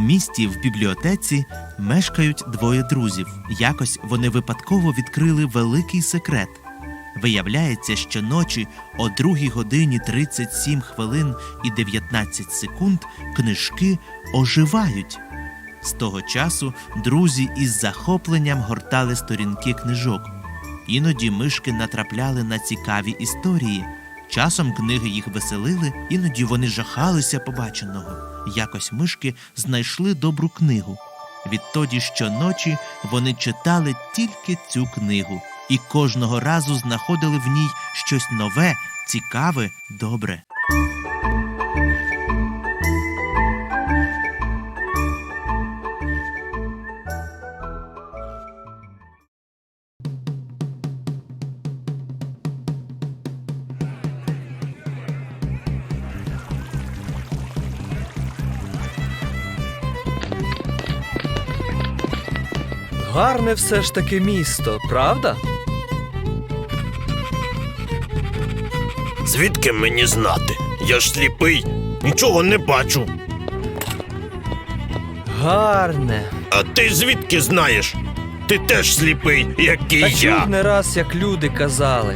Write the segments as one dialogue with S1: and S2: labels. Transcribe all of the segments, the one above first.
S1: місті в бібліотеці мешкають двоє друзів. Якось вони випадково відкрили великий секрет. Виявляється, що ночі о 2:37 і 19 секунд книжки оживають. З того часу друзі із захопленням гортали сторінки книжок. Іноді мишки натрапляли на цікаві історії. Часом книги їх веселили, іноді вони жахалися побаченого. Якось мишки знайшли добру книгу. Відтоді щоночі вони читали тільки цю книгу. І кожного разу знаходили в ній щось нове, цікаве, добре.
S2: Гарне все ж таки місто, правда?
S3: Звідки мені знати? Я ж сліпий, нічого не бачу.
S2: Гарне.
S3: А ти звідки знаєш? Ти теж сліпий, як і
S2: Та
S3: я.
S2: чув не раз, як люди казали.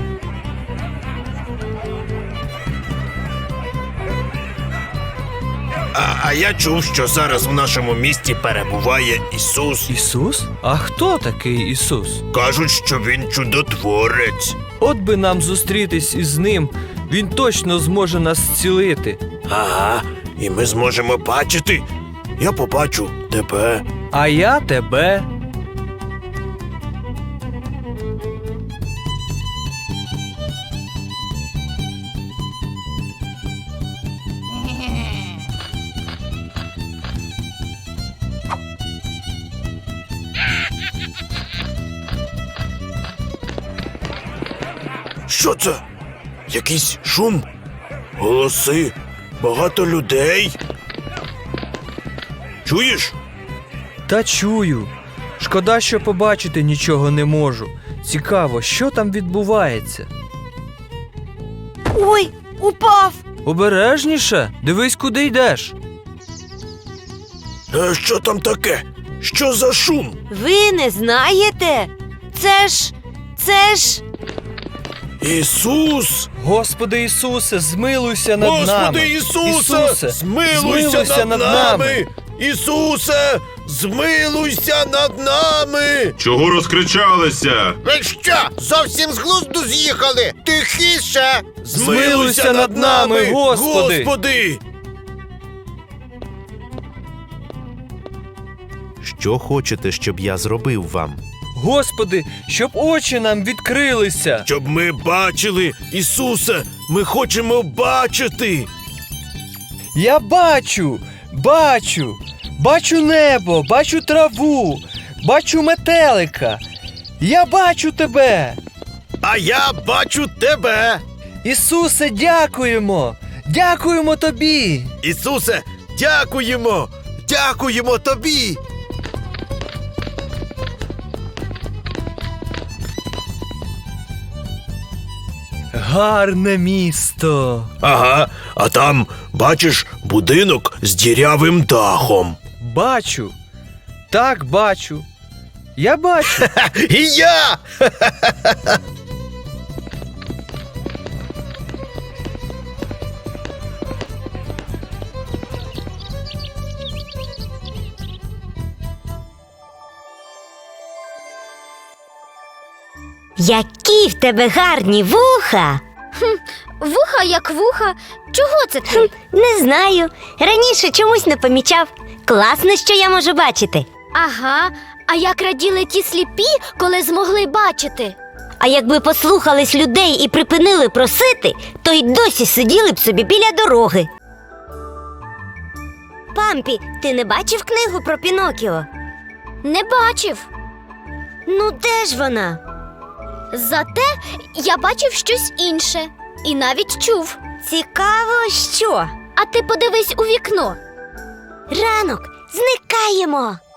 S3: А я чув, що зараз в нашому місті перебуває Ісус.
S2: Ісус? А хто такий Ісус?
S3: Кажуть, що він чудотворець.
S2: От би нам зустрітись із ним, він точно зможе нас зцілити.
S3: Ага, і ми зможемо бачити. Я побачу тебе.
S2: А я тебе.
S3: Що це? Якийсь шум? Голоси? Багато людей? Чуєш?
S2: Та чую. Шкода, що побачити нічого не можу. Цікаво, що там відбувається.
S4: Ой, упав!
S2: Обережніше, дивись, куди йдеш.
S3: Що там таке? Що за шум?
S4: Ви не знаєте? Це ж...
S3: Ісус!
S2: Господи Ісусе, змилуйся над нами.
S3: Господи Ісусе, змилуйся над нами! Ісусе, змилуйся над нами!
S5: Чого розкричалися?
S6: Ви що, зовсім з глузду з'їхали? Тихіше!
S2: Змилуйся над нами, Господи!
S3: Господи!
S1: Що хочете, щоб я зробив вам?
S2: Господи, щоб очі нам відкрилися.
S3: Щоб ми бачили, Ісусе, ми хочемо бачити!
S2: Я бачу, бачу небо, бачу траву, бачу метелика. Я бачу тебе.
S3: А я бачу тебе!
S2: Ісусе, дякуємо! Дякуємо тобі!
S3: Ісусе, дякуємо! Дякуємо тобі!
S2: Гарне місто!
S3: Ага, а там, бачиш, будинок з дірявим дахом.
S2: Бачу. Так, бачу. Я бачу.
S3: І я!
S4: Які в тебе гарні вуха!
S7: Вуха як вуха. Чого це ти?
S4: Не знаю. Раніше чомусь не помічав. Класно, що я можу бачити.
S7: Ага, а як раділи ті сліпі, коли змогли бачити?
S4: А якби послухались людей і припинили просити, то й досі сиділи б собі біля дороги. Пампі, ти не бачив книгу про Пінокіо?
S7: Не бачив.
S4: Ну де ж вона?
S7: Зате я бачив щось інше. І навіть чув.
S4: Цікаво, що?
S7: А ти подивись у вікно.
S4: Ранок, зникаємо.